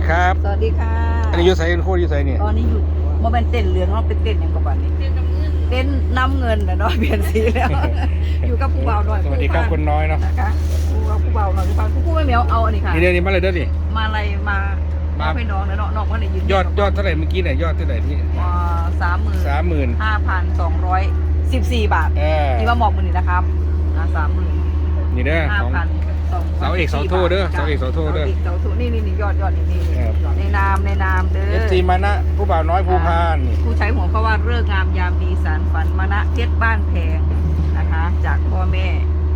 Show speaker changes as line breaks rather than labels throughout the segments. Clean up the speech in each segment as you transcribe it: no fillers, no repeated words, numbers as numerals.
ครับ
สวัสดีค่ะ
อันนี้ยูไซน์โคตรยูไซน์เนี่ย
ตอนนี้อยู่โมเป็นเต้นเรือนเนาะเป็นเต้นอย่างกับบันนี้เต้นน้ำเงินนะเนาะเปลี่ยนสีแล้ว อยู่กับผู้เบาหน่อย
สวัสดีครับคนน้อยเนาะ
นะคะผู้เบาหน่อยผู้ไม่เหมียวเอาอันนี้ค่ะ
นี่เดี๋ยวนี้มาเลยเด้อนี่
มาอะไรมาให้น้องนะเนาะน้องว่าไหนยืน
ยอดเท่าไหร่เมื่อกี้เนี่ยยอดเท่าไหร่ที่
30,000 5,214 บาทที่ว่าหมอกมือนี่นะครับ30,000
นี่เด้อของเสาเอกเสาโทเด้อเสาเอกเสาโทเด้อ
เสาโทนี่ยอดนี่ในนามเด้อ
FC มานะผู้บ่าวน้อยภูพานนี่
ผู้ใช้หัวก็ว่าเรื่องงามยามดีสารฝันมานะเพชรบ้านแพงนะคะจากพ่อแม่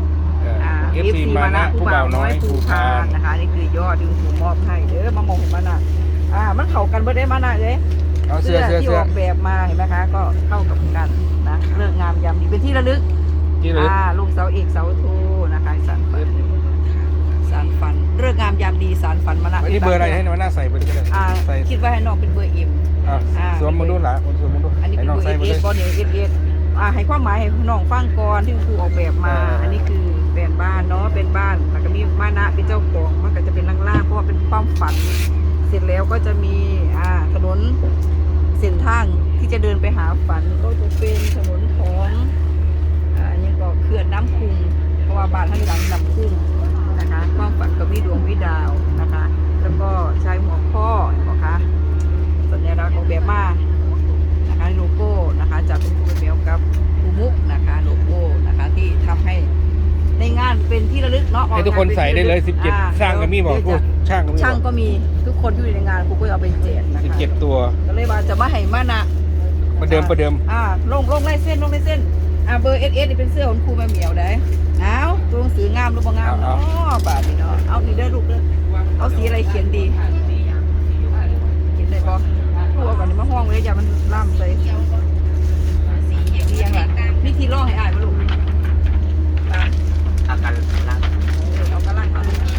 FC มานะผู้บ่าวน้อยภูพาน
นะคะนี่คือยอดที่ถูกมอบให้เด้อมามองมานะมันเข้ากันเบิดได้มานะเลยเสื้อที่ออกแบบมาเห็นไหมคะก็เข้ากับกันนะเรื่องงามยามดีเป็นที่ระลึกลูกเสาเอกเสาโทนะคะสารฝันเรื่องงามยามดีสารฝันมานะ
นี่เบอร์อะไรให้มาหน้าใส่ไปเลยก็ได้
คิดว่าให้น้องเป็นเบอร์เอ็ม
สวมมาดูหล่ะสวมมาดู
อันนี้เป็นเบอร์เอสบอลเนี่ยเอสให้ความหมายให้น้องฟังก่อนที่ครูออกแบบมาอันนี้คือเป็นบ้านเนาะเป็นบ้านแล้วก็มีมานะเป็นเจ้าของมันก็จะเป็นล่างๆเพราะว่าเป็นความฝันเสร็จแล้วก็จะมีถนนเส้นทางที่จะเดินไปหาฝันก็จะเป็นถนนของอันนี้ก็เขื่อนน้ำคุงเพราะว่าบ้านท่านหลังน้ำคุงนะคะความฝันกับวิดวงวิดาวนะคะแล้วก็ใช้หัวข้อนะคะสัญลักษณ์ของแบบมานะคะโลโก้นะคะจากคุณครูเบลกับครูมุกนะคะโลโก้นะคะที่ทำให้ในงานเป็นที่ระลึกเนาะ
ให้ทุกคนใส่ได้เลย17สร้างก็มีบอกพูดช่าง
ก็มีทุกคนที่อยู่ในงานครูก็เอาไปแจกนะคะ
17ตัว
ก็เลยว่าจะมาให้มานะ
ประเดิม
ลงไล่เส้นเบอร์เอสนี่เป็นเสื้อของครูแม่เหมียวได้เอาตัวหนังสืองามหรือบ่งามเนาะบาทนี่เนาะเอานี่เด้อลูกเด้อเอาสีอะไรเขียนดีเขียนได้บ่ครูเอาก่อนนี่มาห้องเลยอย่ามันล่ามใส่สียังล่ะมีที่ร่องให้อ่านบ่ลูก
เอากันล่าง
เอากระลัง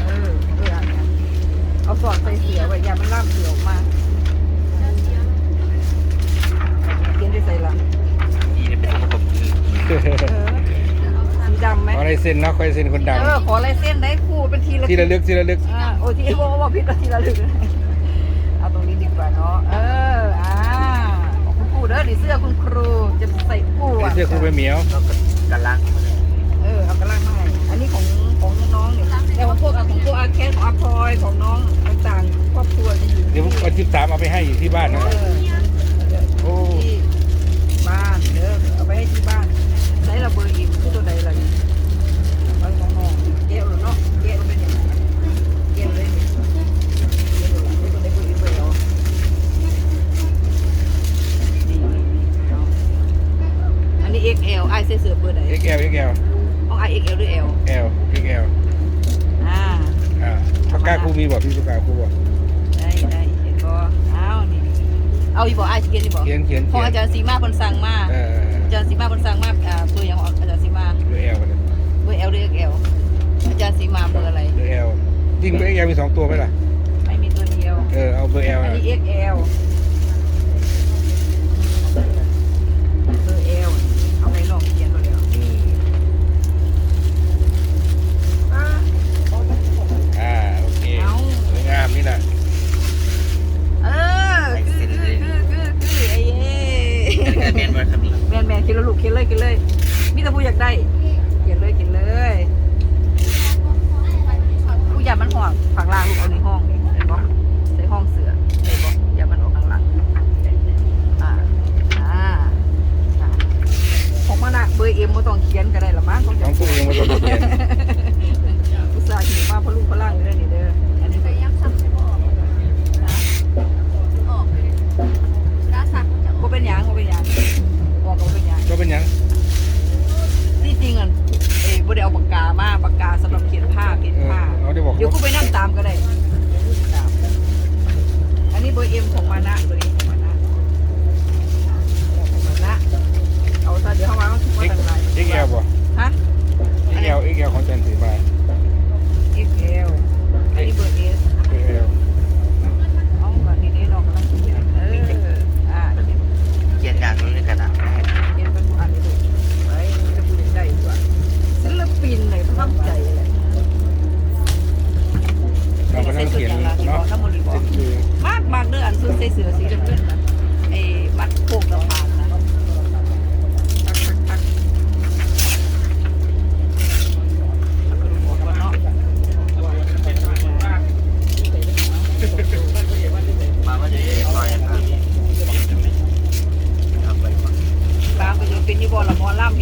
เอาสอดใส่เสือไว้อย่ามันล่ามเสือออกมาเขียนได้ใส่ละ
นี่เป็นตัวประกอบคือ
สีดำไหม
ขอลายเส้นนะขอลายเส้นคนดัง
ขอลายเส้นได้คู่เป็นทีละ
ลึก
โอ้ที่ว่าพิษทีละลึกเอาตรงนี้ดีกว่าเนาะของคุณครูเด้อนี่เสื้อคุณครูจะใส่คู่
เสื้อครูไปเหมียว
กันล่าง
เอากระลังมาให้อันนี้ของน้องเนี่ยแต่ของพวกอาแคสของอาพลอยของน้องต่างๆครอบครัวจะอยู่
เดี๋ยววัน13เอาไปให้อยู่ที่บ้านนะ
โอ้ที่บ้านเด้อเอาไปให้ที่บ้านใช้ระเบิดอิ่มคือตัวใดอะไรไปน้องๆเกี่ยวหรือเนาะเกี่ยวเป็นยังไงเกี่ยวเลยตัวใดเบอร์อิ่มไปเอาอันนี้ XL ไอเสื้อเบอร์ไหน
XL
ของ XL หรือ L
XL ปากกาครูมีบอกพี่ปากกาครูบอก
ได้เห็นบ่นี่เอาอีบอกเขียนอีบอกของอาจารย์สีมาคนสั่งมาอาจารย์สีมาคนสั่งมาเบอร์อย่างของอาจารย์สีมา
เบอร์ L
เบอร์ L หรือ XL อาจารย์สีมาเบอร์อะไร
เบอร์ L จริงเบอร์ XL มี2ตัวไหมล่ะ
ไม่มีตัวเดียว
เอาเบอร์ L
อันนี้ XL เบอร์ L เอาไปลองเขียนตัวเดียว
โอเคสวยงามนี่แหละ
คือไอ้
แมนครับนี่
แมนกินแล้วลูกกินเลยมีแต่ผู้อยากได้กินเลยผู้อยากมันห่วงฝั่งล่างลูกเอาในห้องนี่เห็นบ่ใส่ห้องเสือเห็นบ่อย่ามันออกข้าง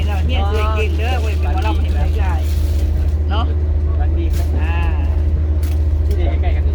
ห็นแล้วเฮียนสวยเก่งเด้อเว้ยเป็นหมอลำเห็นไหมใช่เนาะ
บางที
อ่า
ที่เด็กใกล้ๆกัน